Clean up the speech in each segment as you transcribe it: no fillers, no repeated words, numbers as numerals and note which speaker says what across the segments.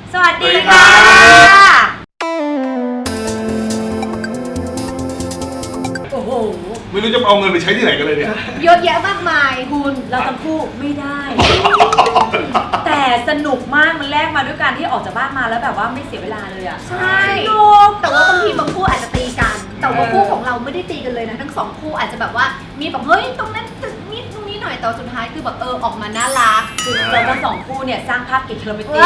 Speaker 1: สวัสดีค่ะโอ้โห
Speaker 2: ไม่รู้จะเอาเงินไปใช้ที่ไหนกันเลยเนี่ย
Speaker 3: เยอะแยะมากมาย
Speaker 1: คุณเราทั้งคู่ไม่ได้ แต่สนุกมากมันแลกมาด้วยการที่ออกจากบ้านมาแล้วแบบว่าไม่เสียเวลาเลยอ่ะ
Speaker 3: ใช่แต่ว่าบางทีบางคู่อาจจะตีกันแต่ว่าคู่ของเราไม่ได้ตีกันเลยนะทั้งสองคู่อาจจะแบบว่ามีแบบเฮ้ยตรงนั้นนิดตรงนี้หน่อยแต่สุดท้ายคือแบบออกมาน่ารัก
Speaker 1: คือเราทั้งสองคู่เนี่ยสร้างภาพเกลียดเราไปตี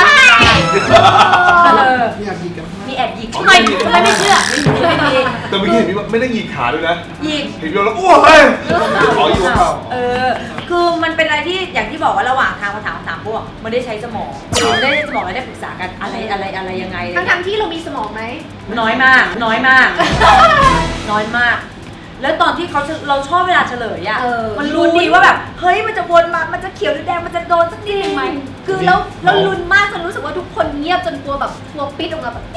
Speaker 4: มีแอบยิงกัน
Speaker 1: มีแอบหยิกทำไมไม่เชื่อไม่มี
Speaker 2: แต่เมื่อกี้เห็นไม่ได้หยิกขาด้วยนะ
Speaker 1: หยิก
Speaker 2: เห็นแล้วอ้วกเลยขออยู่เปล่า
Speaker 1: คือมันเป็นอะไรที่อย่างที่บอกว่าระหว่างทางมาถามคำถามพวกมันได้ใช้สมองได้สมองแล้วได้ปรึกษากันอะไรยังไง
Speaker 3: ทั้งที่เรามีสมองไหม
Speaker 1: น้อยมากน้อยมาก แล้วตอนที่เราชอบเวลาเฉลยอ่ะมันรู้ดีว่าแบบเฮ้ยมันจะวนมามันจะเขียวหรือแดงมันจะโดนสักทีไหม
Speaker 3: คือแล้วลุ้นมากจนรู้สึกว่าทุกคนเงียบจนกลัวแบบกลัวปิดออกมาแบบ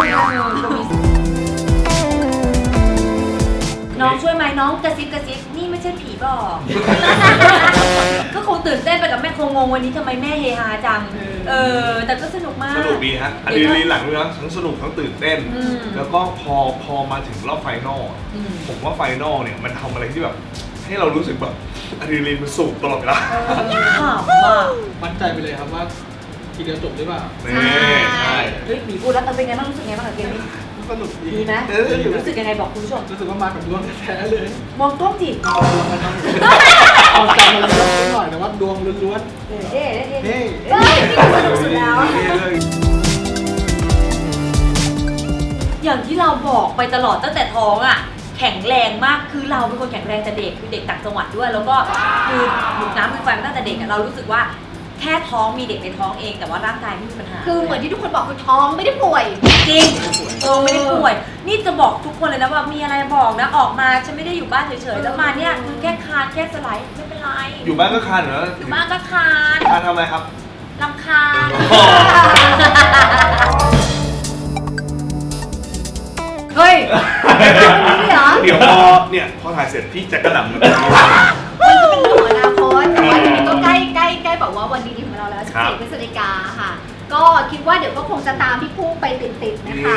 Speaker 1: น้องช่วยไหมน้องกระซิบนี่ไม่ใช่ผีบอกก็คงตื่นเต้นไปกับแม่คงงงวันนี้ทำไมแม่เฮฮาจังแต่ก็สนุกมาก
Speaker 2: สนุกดีฮะอันนี้หลังเลยนะทั้งสนุกทั้งตื่นเต้นแล้วก็พอมาถึงรอบไฟนอลผมว่าไฟนอลเนี่ยมันทำอะไรที่แบบให้เรารู้สึกแบบอะดรีนาลีนมันสูงตลอดเวลา
Speaker 4: มั่นใจไปเลยครับว่าทีเดียวจบหรือเปล่า
Speaker 2: ใช่
Speaker 1: เฮ้ยหมีพูดแล้วเป็นไงบ้างรู้สึกไงบ้างกับเกมนี้
Speaker 4: สนุก
Speaker 1: ดีไหมรู้สึกยังไงบอกคุณผู้ชม
Speaker 4: รู้สึกว่ามากับดวงแท้เลย
Speaker 1: มองกล้องจิ
Speaker 4: เอาใจมาเล่นหน่อยแต่ว่าดวงล้วน
Speaker 1: ๆเฮ้
Speaker 3: นี่สนุกสุดแล้ว
Speaker 1: อย่างที่เราบอกไปตลอดตั้งแต่ท้องอ่ะแข็งแรงมากคือเราเป็นคนแข็งแรงแต่เด็กคือเด็กต่างจังหวัดด้วยแล้วก็คือหนุกน้ำคือไฟมาตั้งแต่เด็กเรารู้สึกว่าแค่ท้องมีเด็กในท้องเองแต่ว่าร่างกายไม่มีปัญหา
Speaker 3: คือเหมือนที่ทุกคนบอกคือท้องไม่ได้ป่วย
Speaker 1: จริงไม่ได้ป่วยนี่จะบอกทุกคนเลยนะว่ามีอะไรบอกนะออกมาฉันไม่ได้อยู่บ้านเฉยๆแล้วมาเนี่ยคือแค่คานแค่สไลด์ไม่เป็นไร
Speaker 2: อยู่บ้านก็คานเหรอ
Speaker 1: อยู่บ้านก็คาน
Speaker 2: ทำอะไรครับ
Speaker 1: รำคาญ
Speaker 3: เฮ้ย
Speaker 2: เดี๋ยวพอถ่ายเสร็จพี่จะกระหน่ำ
Speaker 3: มันก็เป็นเรื่องของอนาคตแต่ว่าก็ใกล้แบบว่าวันดีๆของเราแล้ว14 พฤศจิกาค่ะก็คิดว่าเดี๋ยวก็คงจะตามพี่คู่ไปติดๆนะคะ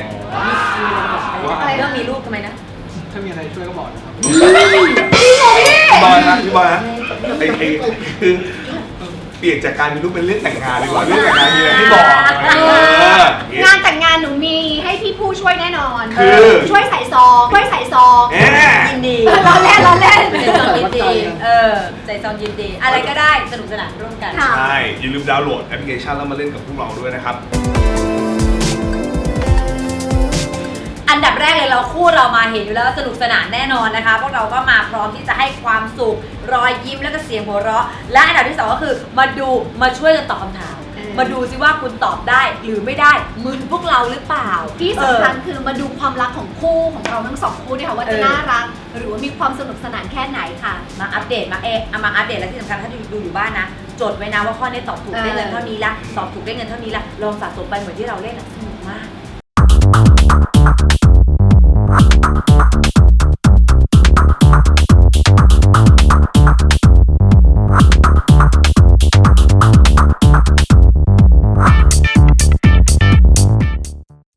Speaker 1: อะไรก็มีลูกทำไมนะ
Speaker 4: ถ้ามีอะไรช่วยก็บอกนะครับ
Speaker 2: พี่บอยนะคือเปลี่ยนจากการมีลูกเป็นเรื่องแต่งงานดีกว่าเรื่องแต่งงานมีอะไรให้บอก
Speaker 3: งานแต่งงานหนูมีให้พี่ผู้ช่วยแน่นอน
Speaker 2: คือ
Speaker 3: ช่วยใส่ซอง
Speaker 1: ยินดี
Speaker 3: ล้อเล่น
Speaker 1: ใส่ซองยินดีใส่ซองยินดีอะไรก็ได้สนุกสนานร่วมกัน
Speaker 2: ใช่อย่าลืมดาวน์โหลดแอปพลิเคชันแล้วมาเล่นกับพวกเราด้วยนะครับ
Speaker 1: อันดับแรกเลยเราคู่เรามาเห็นอยู่แล้วสนุกสนานแน่นอนนะคะพวกเราก็มาพร้อมที่จะให้ความสุขรอยยิ้มและก็เสียงหัวเราะและอันดับที่2ก็คือมาช่วยกันตอบคำถามมาดูซิว่าคุณตอบได้หรือไม่ได้เหมือนพวกเราหรือเปล่า
Speaker 3: ที่สำคัญคือมาดูความรักของคู่ของเราทั้งสองคู่ด้วยค่ะว่าจะน่ารักหรือว่ามีความสนุกสนานแค่ไหนค่ะ
Speaker 1: มาอัปเดตมาอัปเดตและที่สำคัญถ้าดูอยู่บ้านนะจดไว้นะว่าข้อนี้ตอบถูกได้เงินเท่านี้ละตอบถูกได้เงินเท่านี้ละลองสะสมไปเหมือนที่เราเล่นสนุกมาก